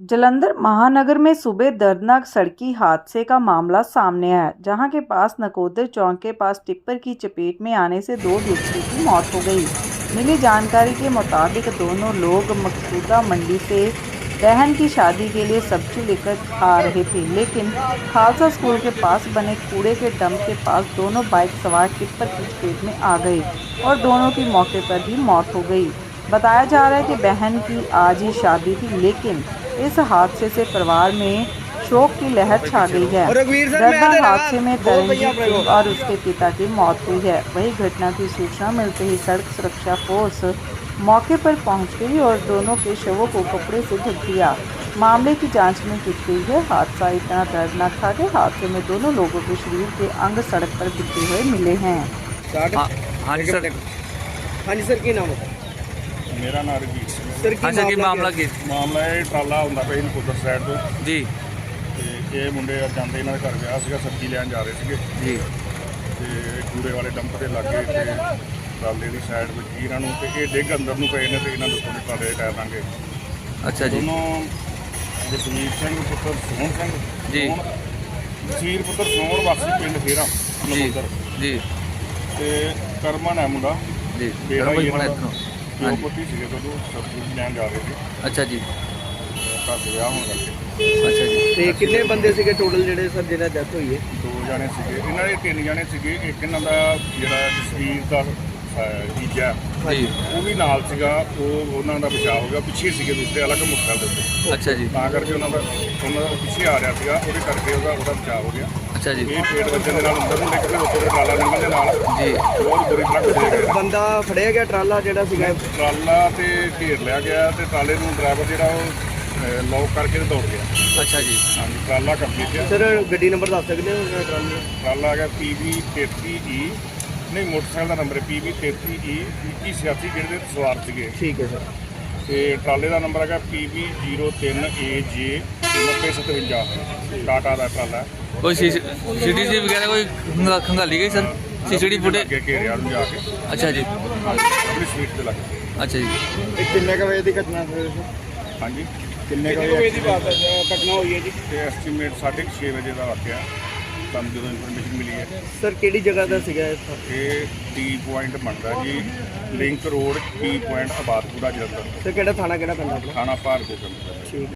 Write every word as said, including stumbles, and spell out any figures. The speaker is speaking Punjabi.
जालंधर महानगर में सुबह दर्दनाक सड़की हादसे का मामला सामने आया, जहां के पास नकोदर चौक के पास टिप्पर की चपेट में आने से दो व्यक्तियों की मौत हो गई। मिली जानकारी के मुताबिक दोनों लोग मकसूदा मंडी से बहन की शादी के लिए सब्जी लेकर आ रहे थे, लेकिन खालसा स्कूल के पास बने कूड़े के डंप के पास दोनों बाइक सवार टिप्पर की चपेट में आ गए और दोनों की मौके पर ही मौत हो गई। बताया जा रहा है कि बहन की आज ही शादी थी, लेकिन इस हादसे से परिवार में शोक की लहर छा गई है। दर्दनाक हादसे में तरनजीत सिंह और उसके पिता की मौत हुई है। वही घटना की सूचना मिलते ही सड़क सुरक्षा फोर्स मौके पर पहुंच गई और दोनों के शवों को कपड़े से ढक दिया। मामले की जांच में की गई है। हादसा इतना दर्दनाक था कि हादसे में दोनों लोगों के शरीर के अंग सड़क पर गिरते हुए मिले हैं। हाँ जी सर, हाँ जी सर, की नाम है? मेरा नाम रघुवीर सिंह सर की अच्छा की मामला मामला की मामला ਇਹ ਟਰਾਲਾ ਹੁੰਦਾ ਪਿਆ ਇਹਨੂੰ ਕੁਦਰ ਸਾਈਡ ਤੋਂ जी ਤੇ ਇਹ ਮੁੰਡੇ ਜਾਂਦੇ ਇਹਨਾਂ ਦੇ ਘਰ ਵਿਆਹ ਸੀਗਾ, ਸਬਜ਼ੀ ਲੈਣ ਜਾ ਰਹੇ ਸੀਗੇ जी ਤੇ ਕੂੜੇ ਵਾਲੇ ਡੰਪ ਦੇ ਲਾਗੇ ਤੇ ਟਰਾਲੇ ਦੀ ਸਾਈਡ ਵਿੱਚ ਹੀ ਇਹਨਾਂ ਨੂੰ ਤੇ ਇਹ ਡਿੱਗ ਅੰਦਰ ਨੂੰ ਪਏ ਨੇ ਤੇ ਇਹਨਾਂ ਦੇ ਉੱਤੋਂ ਦੀ ਟਰਾਲੇ ਦੇ ਟਾਇਰ ਲਾਂਗੇ अच्छा जी ਦੋਨੋਂ ਜਸਵੀਰ ਸਿੰਘ ਪੁੱਤਰ ਸੋਹਣ ਸਿੰਘ ਜੀ। ਜਸਵੀਰ ਪੁੱਤਰ ਸੋਹਣ ਵਾਸੀ ਪਿੰਡ ਫੇਰਾ जी ਨਮੋਦਰ जी ਤੇ ਕਰਮਨ ਹੈ ਮੁੰਡਾ जी बेड़ा ही बड़ा है इतना ਪਿਓ हाँ जी ਪੁੱਤੀ ਸੀਗੇ ਜਦੋਂ ਸਬਜ਼ੀ ਲੈਣ ਜਾ ਰਹੇ ਸੀ अच्छा जी ਘਰ ਦੇ ਵਿਆਹ ਹੋਣ ਕਰਕੇ अच्छा जी ਤੇ ਕਿੰਨੇ ਬੰਦੇ ਸੀਗੇ ਟੋਟਲ ਜਿਹੜੇ ਸਰ ਜਿਹਨਾਂ ਡੈਥ ਹੋਈ ਹੈ? ਦੋ ਜਾਣੇ ਸੀਗੇ, ਇਹਨਾਂ ਦੇ ਤਿੰਨ ਜਾਣੇ ਸੀਗੇ। ਇੱਕ ਇਹਨਾਂ ਦਾ ਜਿਹੜਾ ਜਸਵੀਰ ਦਾ ਅਹ, ਜੀਜਾ जी ਉਹ ਵੀ ਨਾਲ ਸੀਗਾ, ਉਹ ਉਹਨਾਂ ਦਾ ਬਚਾਅ ਹੋ ਗਿਆ। ਪਿੱਛੇ ਸੀਗੇ ਦੂਸਰੇ ਅਲੱਗ ਮੁੱਖਾਂ ਦੇ ਉੱਤੇ, अच्छा जी ਤਾਂ ਕਰਕੇ ਉਹਨਾਂ ਦਾ ਉਹਨਾਂ ਦਾ ਪਿੱਛੇ ਆ ਰਿਹਾ ਸੀਗਾ, ਉਹਦੇ ਕਰਕੇ ਉਹਦਾ ਉਹਦਾ ਬਚਾਅ ਹੋ ਗਿਆ। अच्छा जी ਇਹ ਪੇਟ ਵੱਜਣ ਦੇ ਨਾਲ ਅੰਦਰ ਨੂੰ ਨਿਕਲੇ, ਉੱਤੇ ਦੇ ਟਰਾਲਾ ਨਿਕਲਣ ਦੇ ਨਾਲ जी ਬਹੁਤ ਬੁਰੀ ਤਰ੍ਹਾਂ ਘੁਸੇ ਗਏ। ਬੰਦਾ ਫੜਿਆ ਗਿਆ ਟਰਾਲਾ ਜਿਹੜਾ ਸੀਗਾ? ਟਰਾਲਾ ਤੇ ਘੇਰ ਲਿਆ ਗਿਆ ਤੇ ਟਰਾਲੇ ਨੂੰ ਡਰਾਈਵਰ ਜਿਹੜਾ ਉਹ ਲੌਕ ਕਰਕੇ ਤੇ ਦੌੜ ਗਿਆ। अच्छा जी ਹਾਂਜੀ, ਟਰਾਲਾ ਕੰਪਲੀਟ ਹੈ। ਸਰ ਗੱਡੀ ਨੰਬਰ ਦੱਸ ਸਕਦੇ ਹੋ ਟਰਾਲੇ ਦਾ? ਟਰਾਲਾ ਹੈਗਾ ਪੀ ਵੀ ਤੇਤੀ ਈ, ਨਹੀਂ ਮੋਟਰਸਾਈਕਲ ਦਾ ਨੰਬਰ ਹੈ ਪੀ ਵੀ ਤੇਤੀ ਈ ਇੱਕੀ ਛਿਆਸੀ, ਜਿਹੜੇ ਦੇ ਸਵਾਰ ਸੀਗੇ। ਠੀਕ ਹੈ ਸਰ। ਤੇ ਟਰਾਲੇ ਦਾ ਨੰਬਰ ਹੈਗਾ ਪੀ ਵੀ ਜ਼ੀਰੋ ਤਿੰਨ ਏ ਜੇ ਨੱਬੇ ਸਤਵੰਜਾ, ਟਾਟਾ ਦਾ ਟਰਾਲਾ। कोई सी सी टी सी वगैरह कोई खंगा- खंगाली गई सर? C C T footage? ਅੱਗੇ ਘੇਰਿਆ ਨੂੰ ਜਾ ਕੇ अच्छा जी ਆਪਣੀ ਸੀਟ ਤੇ ਲੱਗ ਗਏ। अच्छा जी ਇਹ ਕਿੰਨੇ ਕ ਵਜੇ ਦੀ ਘਟਨਾ ਸਰ? ਹਾਂਜੀ, ਕਿੰਨੇ ਕ ਵਜੇ ਦੀ ਬਾਤ ਘਟਨਾ ਹੋਈ ਹੈ ਜੀ? ਤੇ ਐਸਟੀਮੇਟ ਸਾਢੇ ਕੁ ਛੇ ਵਜੇ ਦਾ ਵਾਕਿਆ ਸਾਨੂੰ ਜਦੋਂ ਇਨਫੋਰਮੇਸ਼ਨ ਮਿਲੀ ਹੈ। ਸਰ ਕਿਹੜੀ ਜਗ੍ਹਾ ਦਾ ਸੀਗਾ ਇਹ? ਇਹ ਟੀ ਪੁਆਇੰਟ ਬਣਦਾ ਜੀ, link road T point Abadpura Jalandhar, sir ਕਿਹੜਾ ਥਾਣਾ ਕਿਹੜਾ ਪੈਂਦਾ ਆਪਣਾ? ਥਾਣਾ ਭਾਰਗੋ ਪਿੰਡ। ਠੀਕ